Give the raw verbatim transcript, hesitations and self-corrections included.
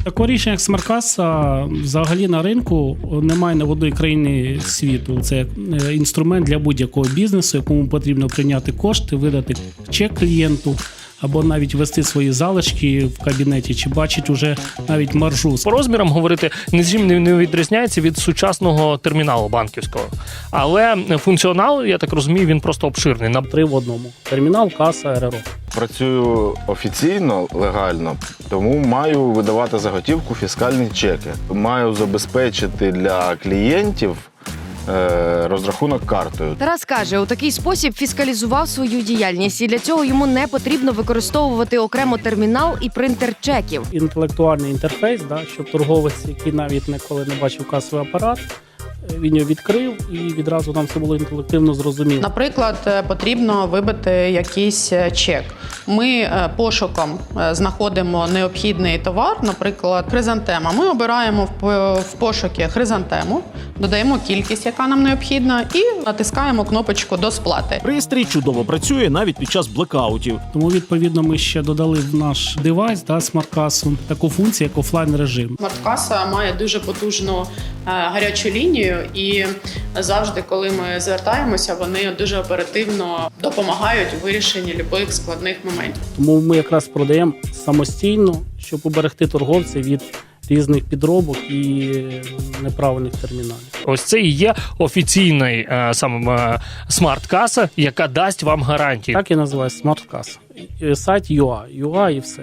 Такого рішення, як смарт-каса, взагалі на ринку немає ні в одній країні світу. Це інструмент для будь-якого бізнесу, якому потрібно прийняти кошти, видати чек клієнту, або навіть вести свої залишки в кабінеті, чи бачить уже навіть маржу. По розмірам говорити нічим не відрізняється від сучасного терміналу банківського. Але функціонал, я так розумію, він просто обширний. На Три в одному. Термінал, каса, РРО. Працюю офіційно, легально, тому маю видавати за готівку фіскальні чеки. Маю забезпечити для клієнтів е, розрахунок картою. Тарас каже, у такий спосіб фіскалізував свою діяльність, і для цього йому не потрібно використовувати окремо термінал і принтер чеків. Інтелектуальний інтерфейс, да, щоб торговець, який навіть ніколи не бачив касовий апарат, він його відкрив і відразу нам це було інтелективно зрозуміло. Наприклад, потрібно вибити якийсь чек. Ми пошуком знаходимо необхідний товар, наприклад, хризантема. Ми обираємо в пошуки хризантему, додаємо кількість, яка нам необхідна, і натискаємо кнопочку до сплати. Пристрій чудово працює навіть під час блекаутів. Тому, відповідно, ми ще додали в наш девайс, да, смарт-касу, таку функцію, як офлайн-режим. Смарт-каса має дуже потужну гарячу лінію, і завжди, коли ми звертаємося, вони дуже оперативно допомагають у вирішенні будь-яких складних моментів. Тому ми якраз продаємо самостійно, щоб уберегти торговця від різних підробок і неправильних терміналів. ось це і є офіційний е, саме е, смарт-каса, яка дасть вам гарантії. Так і називається смарт-каса. Сайт ю ей, ю ей і все.